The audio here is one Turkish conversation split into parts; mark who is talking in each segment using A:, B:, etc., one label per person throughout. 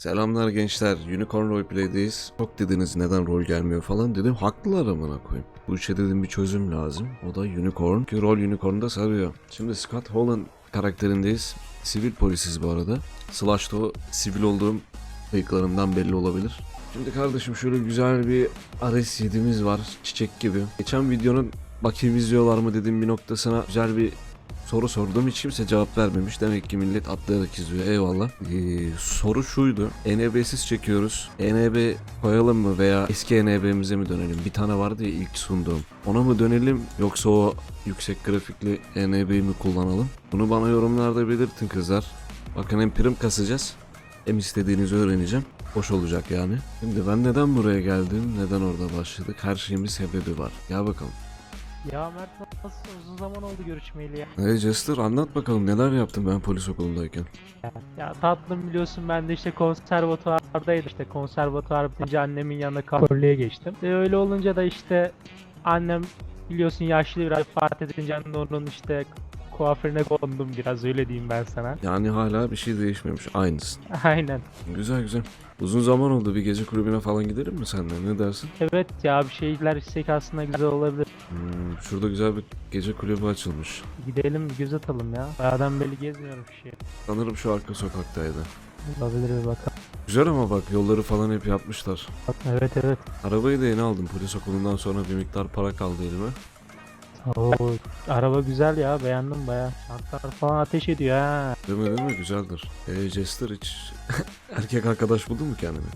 A: Selamlar gençler, Unicorn Roleplay'deyiz. Çok dediniz neden rol gelmiyor falan dedim. Haklılar amına koyayım. Bu işe dedim bir çözüm lazım. O da Unicorn. Ki rol Unicorn'da sarıyor. Şimdi Scott Holland karakterindeyiz. Sivil polisiz bu arada. Slash'ta o sivil olduğum bıyıklarımdan belli olabilir. Şimdi kardeşim şöyle güzel bir RS7'miz var. Çiçek gibi. Geçen videonun bakayım izliyorlar mı dediğim bir noktasına güzel bir soru sordum, hiç kimse cevap vermemiş. Demek ki millet atlayarak izliyor. Eyvallah. Soru şuydu. ENB'siz çekiyoruz. ENB koyalım mı veya eski ENB'mize mi dönelim? Bir tane vardı ya ilk sunduğum. Ona mı dönelim yoksa o yüksek grafikli ENB'yi mi kullanalım? Bunu bana yorumlarda belirtin kızlar. Bakın hem prim kasacağız hem istediğinizi öğreneceğim. Hoş olacak yani. Şimdi ben neden buraya geldim? Neden orada başladık? Her şeyin bir sebebi var. Gel bakalım.
B: Ya Mert, nasıl uzun zaman oldu görüşmeyeli ya.
A: Hey Jester, anlat bakalım neler yaptın ben polis okulundayken.
B: Ya tatlım, biliyorsun ben de işte konservatuvardaydım. İşte konservatuvar bitince annemin yanına kuaförlüğe geçtim. Öyle olunca da işte annem biliyorsun yaşlı, biraz vefat edince onun işte kuaförüne kondum biraz, öyle diyeyim ben sana.
A: Yani hala bir şey değişmemiş, aynısın.
B: Aynen.
A: Güzel güzel. Uzun zaman oldu, bir gece kulübüne falan gidelim mi senden, ne dersin?
B: Evet ya, bir şeyler istek aslında güzel olabilir.
A: Şurada güzel bir gece kulübü açılmış.
B: Gidelim bir göz atalım ya. Bayağıdan beri gezmiyorum bir şey.
A: Sanırım şu arka sokaktaydı.
B: Olabilir, bir bakalım.
A: Güzel ama bak yolları falan hep yapmışlar.
B: Evet evet.
A: Arabayı da yeni aldım, polis okulundan sonra bir miktar para kaldı elime.
B: Oo, araba güzel ya, beğendim baya. Şartlar falan ateş ediyor ha.
A: Değil mi güzeldir. Jester hiç erkek arkadaş buldun mu kendine?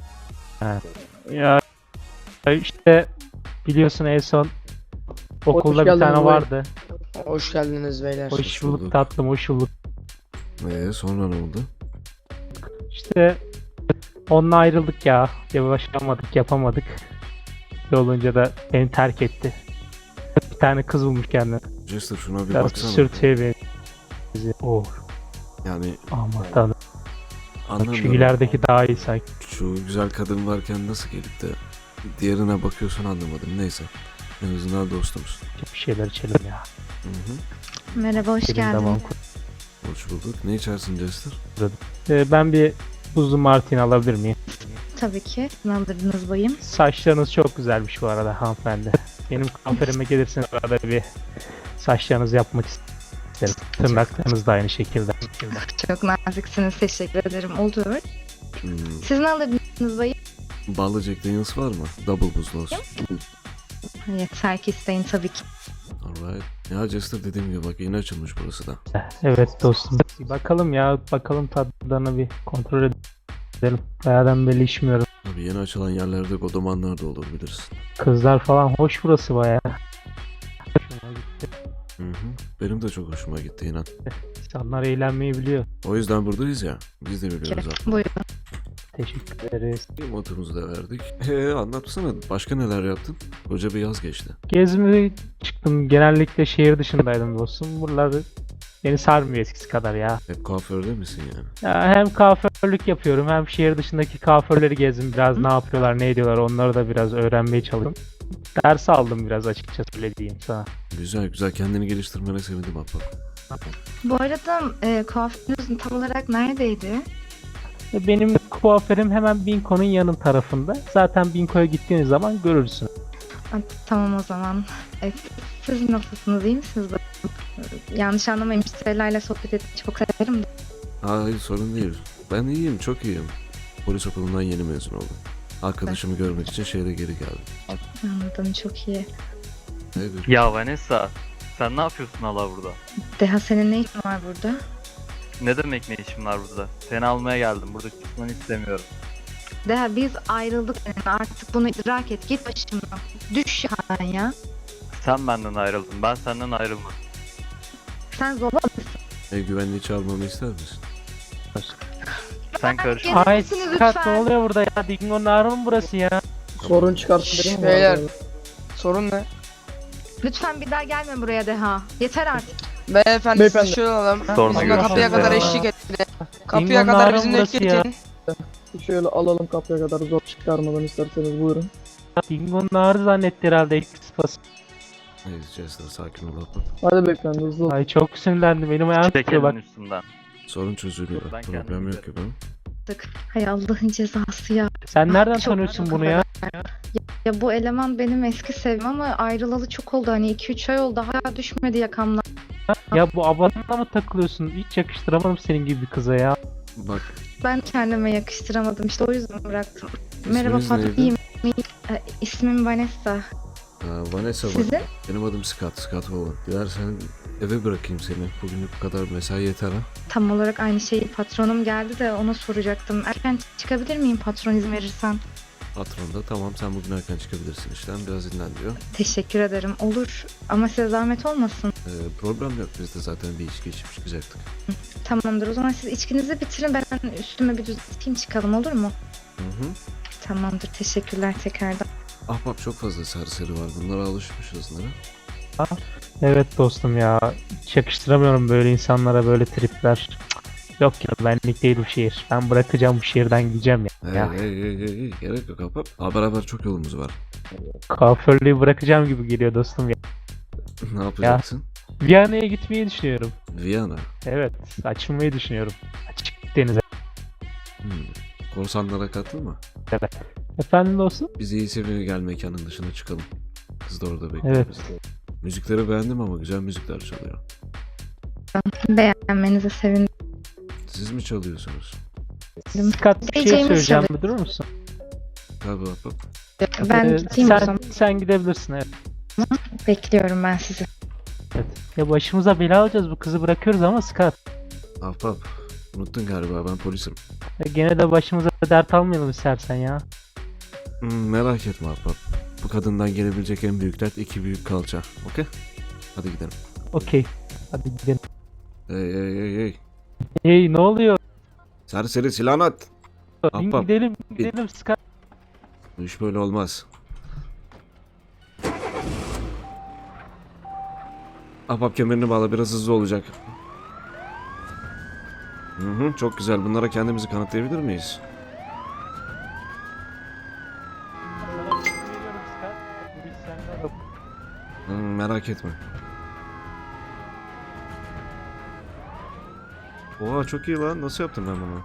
B: Ya işte biliyorsun en son okulda bir
C: geldin
B: tane
C: baba.
B: vardı.
C: Hoş geldiniz beyler.
B: Hoş
A: bulduk.
B: bulduk tatlım, hoş bulduk.
A: Sonra ne oldu?
B: İşte onunla ayrıldık ya. Yavaşlamadık, yapamadık. Öyle olunca da beni terk etti. Bir tane kız bulmuş kendine.
A: Jester şuna bir
B: Biraz
A: baksana.
B: sürtüye benziyor. Oh,
A: Yani
B: aman tanrım. Şu
A: anlamıyorum.
B: ilerideki daha iyi sanki.
A: Şu güzel kadın varken nasıl gelip de diğerine bakıyorsun anlamadım. Neyse. En azından dostumuz.
B: Bir şeyler içelim ya.
A: Hı.
D: Merhaba, hoş
B: Gelin
D: geldin.
B: devam
A: Hoş bulduk. Ne içersin Jester?
B: Ben bir buzlu martini alabilir miyim?
D: Tabii ki. Ne alırdınız bayım?
B: Saçlarınız çok güzelmiş bu arada hanımefendi. Benim kuaförüme gelirseniz arada bir saçlarınızı yapmak isterim. Tırnaklarınız da aynı şekilde.
D: Çok naziksiniz, teşekkür ederim. Olur.
A: Hmm.
D: Siz ne alırdınız bayım?
A: Ballı Jack Daniels var mı? Double buzlu olsun.
D: Yeter ki isteyin tabii ki.
A: Alright. Ya Jester dediğim gibi bak yeni açılmış burası da.
B: Evet dostum. Bir bakalım ya, bakalım tadlarını bir kontrol edelim. Bayağıdan beri içmiyorum.
A: Abi yeni açılan yerlerde godomanlar da olur bilirsin.
B: Kızlar falan hoş burası bayağı. Hoşuma gitti.
A: Hı. Benim de çok hoşuma gitti inan.
B: İnsanlar eğlenmeyi biliyor.
A: O yüzden buradayız ya. Biz de biliyoruz artık.
D: Buyurun.
B: Teşekkür ederiz.
A: Motomuzu da verdik. Anlatsana başka neler yaptın? Koca bir yaz geçti.
B: Gezmeye çıktım. Genellikle şehir dışındaydım dostum. Buralar beni sarmıyor eskisi kadar ya.
A: Hep kuaförde misin yani?
B: Ya hem kuaförlük yapıyorum hem şehir dışındaki kuaförleri gezdim. Biraz ne yapıyorlar, ne ediyorlar, onları da biraz öğrenmeye çalıştım. Ders aldım biraz, açıkçası öyle diyeyim sana.
A: Güzel güzel, kendini geliştirmene sevindim bak.
D: Bu arada kuaförünüz tam olarak neredeydi?
B: Benim kuaförüm hemen Binko'nun yanın tarafında. Zaten Binko'ya gittiğiniz zaman görürsün.
D: Tamam o zaman. Siz nasılsınız, iyi misiniz bayım? Yanlış anlamayın, müşterilerle sohbet etmeyi çok severim de.
A: Hayır sorun değil. Ben iyiyim, çok iyiyim. Polis okulundan yeni mezun oldum. Arkadaşımı görmek için şehre geri geldim.
D: Anladım, çok iyi.
A: Evet.
E: Ya Vanessa, sen ne yapıyorsun hala burada?
D: Deha, senin ne işin var burada?
E: Ne demek ne işin var burada? Seni almaya geldim. Burada çıkmanı istemiyorum.
D: Deha, biz ayrıldık seninle, artık bunu idrak et, git başımdan. Düş yani ya.
E: Sen benden ayrıldın. Ben senden ayrılmadım.
D: Sen zorba
A: Ev güvenliği çağırmamı ister misin?
E: Sen karış.
D: Gelir
B: Ay
D: misiniz
B: Scott,
D: lütfen?
B: ne oluyor burada ya? Dingo'nun ağrı mı burası ya?
C: Sorun çıkartın dedim mi? Beyler. Sorun ne?
D: Lütfen bir daha gelme buraya Deha. Yeter artık.
C: Beyefendi,
F: Beyefendi.
C: siz şöyle alalım.
E: Sonra
C: Bizimle
E: görüşürüz
C: kapıya kadar
E: ya.
C: eşlik edin. Kapıya
B: Dingo'nun
C: kadar
B: ağrı
C: bizimle
B: burası
C: eşlik
B: ya.
C: edin.
F: Şöyle alalım kapıya kadar zor çıkarmadan isterseniz buyurun.
B: Dingo'nun ağrı zannetti herhalde ekspos.
A: Hayır Jester, sakin ol abla.
F: Hadi beyefendi hızlı ol.
B: Ay çok sinirlendim, benim ayağım
E: Çek
B: tutuyor bak.
E: elini üstünden.
A: Sorun çözülüyor.
E: Ben
A: Problem
E: kendim
A: yok ki benim.
D: Hay Allah'ın cezası ya.
B: Sen nereden
D: Çok-
B: tanıyorsun bunu ya?
D: Ya bu eleman benim eski sevim ama ayrılalı çok oldu. Hani 2-3 ay oldu. Hala düşmedi yakamdan.
B: Ya bu abanına mı takılıyorsun? Hiç yakıştıramadım senin gibi bir kıza ya.
A: Bak,
D: Ben kendime yakıştıramadım. İşte o yüzden bıraktım. Merhaba
A: isminiz
D: Fatma.
A: neydi?
D: İyiyim. İsmim Vanessa.
A: Vanessa bak.
D: Sizin?
A: Benim adım Scott Holland. Dilersen eve bırakayım seni. Bugünlük bu kadar mesai yeter ha.
D: Tam olarak aynı şeyi patronum geldi de ona soracaktım. Erken çıkabilir miyim patron izin verirsen?
A: Patron da tamam sen bugün erken çıkabilirsin işten. Biraz dinlen diyor.
D: Teşekkür ederim. Olur. Ama size zahmet olmasın.
A: Problem yok. Biz de zaten bir içki içip çıkacaktık.
D: Tamamdır. O zaman siz içkinizi bitirin. Ben üstüme bir düzelteyim çıkalım olur mu?
A: Hı hı.
D: Tamamdır. Teşekkürler tekrardan.
A: Ahbap çok fazla serseri var. Bunlara alışmışız nere?
B: Evet dostum ya. Hiç yakıştıramıyorum böyle insanlara böyle tripler. Cık, yok ya benlik değil bu şehir. Ben bırakacağım bu şehirden gideceğim ya. Ya.
A: Hey, gerek yok ahbap. Beraber çok yolumuz var.
B: Kuaförlüğü bırakacağım gibi geliyor dostum ya.
A: Ne yapacaksın?
B: Viyana'ya gitmeyi düşünüyorum.
A: Viyana.
B: Evet açılmayı düşünüyorum. Açık denize.
A: Hmm. Korsanlara katılma.
B: Efendim dostum?
A: Biz iyi seviye gel mekanın dışına çıkalım. Kız da orada bekliyor
B: Evet.
A: bizi. Müzikleri beğendim ama güzel müzikler çalıyor.
D: Beğenmenize sevindim.
A: Siz mi çalıyorsunuz?
B: Scott bir şey
D: Diyeceğimi
B: söyleyeceğim.
D: söyle.
B: Bir durur musun?
A: Tabii ahbap.
D: Ben gideyim o
B: sen,
D: zaman.
B: sen gidebilirsin evet.
D: Bekliyorum ben sizi.
B: Ya başımıza bela alacağız bu kızı bırakıyoruz ama Scott.
A: Ahbap. Unuttun galiba ben polisim.
B: Ya gene de başımıza dert almayalım istersen ya.
A: Merak etme ahbap. Bu kadından gelebilecek en büyük dert iki büyük kalça. Okey? Hadi gidelim.
B: Okey. Hadi gidelim.
A: Hey.
B: Hey ne oluyor?
A: Serseri silahını at. Ahbap.
B: Gidelim Scott.
A: Bu iş böyle olmaz. Ahbap kemerini bağla biraz hızlı olacak. Hı, çok güzel. Bunlara kendimizi kanıtlayabilir miyiz? Merak etme. Oha çok iyi lan. Nasıl yaptım ben bunu?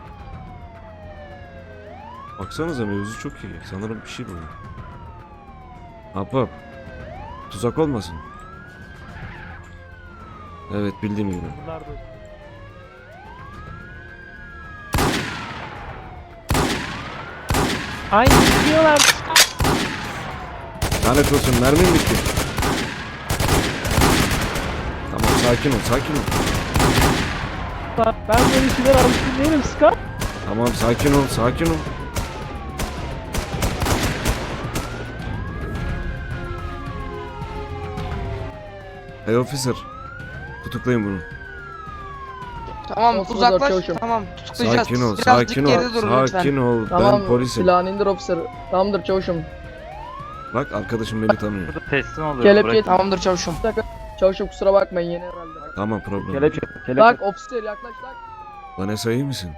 A: Baksanıza mevzu çok iyi. Sanırım bir şey bu. Ahbap. Tuzak olmasın. Evet bildiğim gibi.
B: Ay gidiyorlar.
A: Lanet olsun mermim bitti. Tamam sakin ol.
B: Ben böyle şeyler alışkın değilim Scott.
A: Tamam sakin ol. Hey officer. Tutuklayın bunu.
C: Tamam
F: Olsun,
C: uzaklaş.
F: çavuşum.
C: Tamam tutuklayacağız.
A: Sakin ol,
C: Birazcık
A: sakin
C: geride
A: ol.
C: durun lütfen.
A: Sakin ol.
F: Tamam
A: Ben polisim.
F: silahını indir officer. Tamamdır çavuşum.
A: Bak arkadaşım beni tanıyor.
E: Burada teslim oluyor.
F: Kelepçe
C: Tamamdır çavuşum.
F: Çavuşum kusura bakmayın yeni herhalde.
A: Tamam problem.
E: Kelepçe.
F: Bak officer yaklaş lan.
A: Vanessa iyi misin?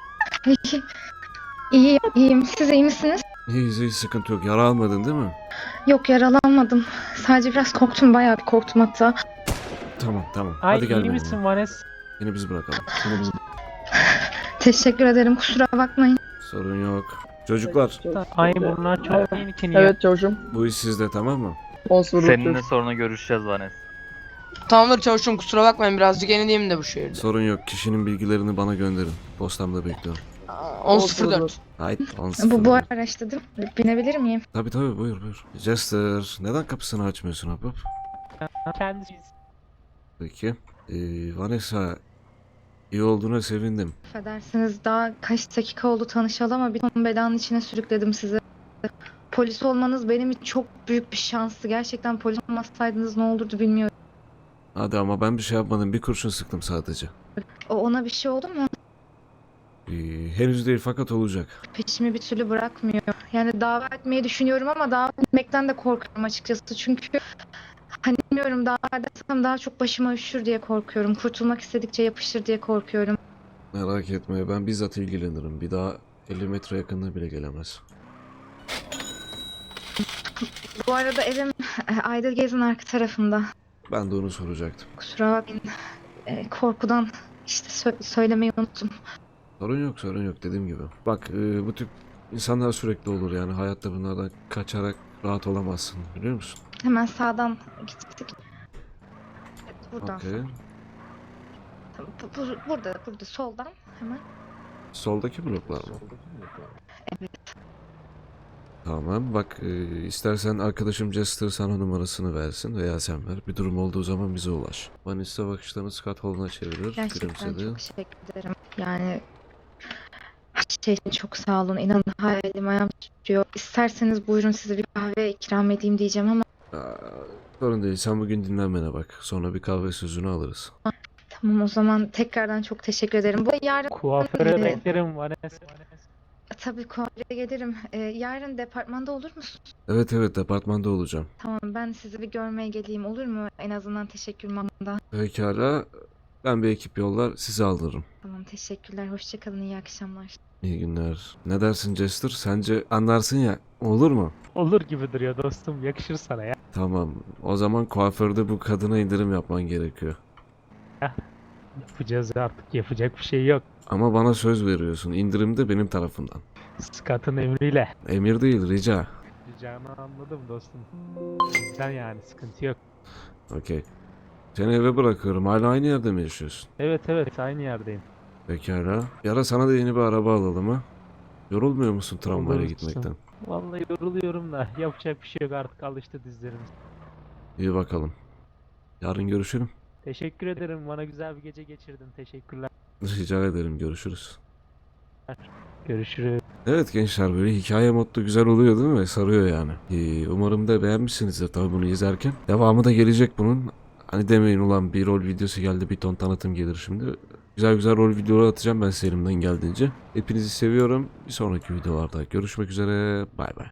D: İyiyim. Siz iyi misiniz?
A: İyi sıkıntı yok. Yara almadın değil mi?
D: Yok yaralanmadım. Sadece biraz korktum. Bayağı bir korktum hatta.
A: Tamam.
B: Ay
A: Hadi gel
B: iyi
A: benimle.
B: misin Vanessa?
A: Yine biz bırakalım.
D: Teşekkür ederim. Kusura bakmayın.
A: Sorun yok. Çocuklar
B: Ay bunlar çok yeni ki niye?
F: Evet çavuşum.
A: bu iş sizde tamam mı?
F: 10 0
E: Seninle sonra görüşeceğiz Vanes.
C: Tamamdır çavuşum kusura bakmayın birazcık yenileyim de bu şehirde.
A: Sorun yok. Kişinin bilgilerini bana gönderin. Postamda bekliyorum.
C: 10.04.
A: Haydi.
D: Bu araçta değil mi? Binebilir miyim?
A: Tabii buyur. Jester neden kapısını açmıyorsun ahbap?
B: Kendisi.
A: Peki. Vanessa iyi olduğuna sevindim.
D: Affedersiniz daha kaç dakika oldu tanışalı ama bir ton belanın içine sürükledim sizi. Polis olmanız benim için çok büyük bir şanstı. Gerçekten polis olmasaydınız ne olurdu bilmiyorum.
A: Hadi ama ben bir şey yapmadım. Bir kurşun sıktım sadece.
D: Ona bir şey oldu mu?
A: Henüz değil fakat olacak.
D: Peşimi bir türlü bırakmıyor. Yani dava etmeyi düşünüyorum ama dava etmekten de korkuyorum açıkçası. Çünkü hani bilmiyorum dava edersem daha çok başıma üşür diye korkuyorum. Kurtulmak istedikçe yapışır diye korkuyorum.
A: Merak etme ben bizzat ilgilenirim. Bir daha 50 metre yakınına bile gelemez.
D: Bu arada evim Aydilgez'in arka tarafında.
A: Ben de onu soracaktım.
D: Kusura bakmayın. Korkudan işte söylemeyi unuttum.
A: Sorun yok dediğim gibi. Bak bu tip insanlar sürekli olur yani hayatta bunlardan kaçarak rahat olamazsın biliyor musun?
D: Hemen sağdan gittik. Evet, buradan
A: Okey.
D: sağ. Tamam, burada soldan hemen.
A: Soldaki bloklar mı? Tamam bak istersen arkadaşım Jester sana numarasını versin veya sen ver. Bir durum olduğu zaman bize ulaş. Vanessa bakışlarını Scott Hall'una çevirir.
D: Gerçekten
A: Gülümsedi.
D: çok teşekkür ederim. Yani her şey için çok sağ olun. İnanın hayalim ayağım tutuyor. İsterseniz buyurun size bir kahve ikram edeyim diyeceğim ama
A: Aa, sorun değil sen bugün dinlenmene bak. Sonra bir kahve sözünü alırız.
D: tamam o zaman tekrardan çok teşekkür ederim. Bu yarın
B: Kuaföre
D: Evet.
B: beklerim Vanessa.
D: tabii kuaföre gelirim. Yarın departmanda olur musun?
A: Evet departmanda olacağım.
D: Tamam ben sizi bir görmeye geleyim olur mu? En azından teşekkür mamada.
A: Pekala ben bir ekip yollar sizi alırım.
D: Tamam teşekkürler. Hoşça kalın. İyi akşamlar.
A: İyi günler. Ne dersin Jester? Sence anlarsın ya. Olur mu?
B: Olur gibi duruyor dostum. Yakışır sana ya.
A: Tamam. O zaman kuaförde bu kadına indirim yapman gerekiyor.
B: Yapacağız artık. Yapacak bir şey yok.
A: Ama bana söz veriyorsun. İndirim de benim tarafımdan.
B: Scott'ın emriyle.
A: Emir değil, rica.
B: Ricanı anladım dostum. Bizden yani sıkıntı yok.
A: Okey. Seni eve bırakıyorum. Hala aynı yerde mi yaşıyorsun?
B: Evet aynı yerdeyim.
A: Pekala. Yara sana da yeni bir araba alalım ha. Yorulmuyor musun tramvayla
B: Olursun.
A: gitmekten?
B: Vallahi yoruluyorum da yapacak bir şey yok artık alıştı dizlerimiz.
A: İyi bakalım. Yarın görüşelim.
B: Teşekkür ederim bana güzel bir gece geçirdin teşekkürler.
A: Rica ederim. Görüşürüz.
B: Görüşürüz.
A: Evet gençler böyle hikaye modda güzel oluyor değil mi? Sarıyor yani. Umarım da beğenmişsinizdir tabii bunu izlerken. Devamı da gelecek bunun. Hani demeyin ulan bir rol videosu geldi bir ton tanıtım gelir şimdi. Güzel rol videoları atacağım ben size elimden geldiğince. Hepinizi seviyorum. Bir sonraki videolarda görüşmek üzere. Bay bay.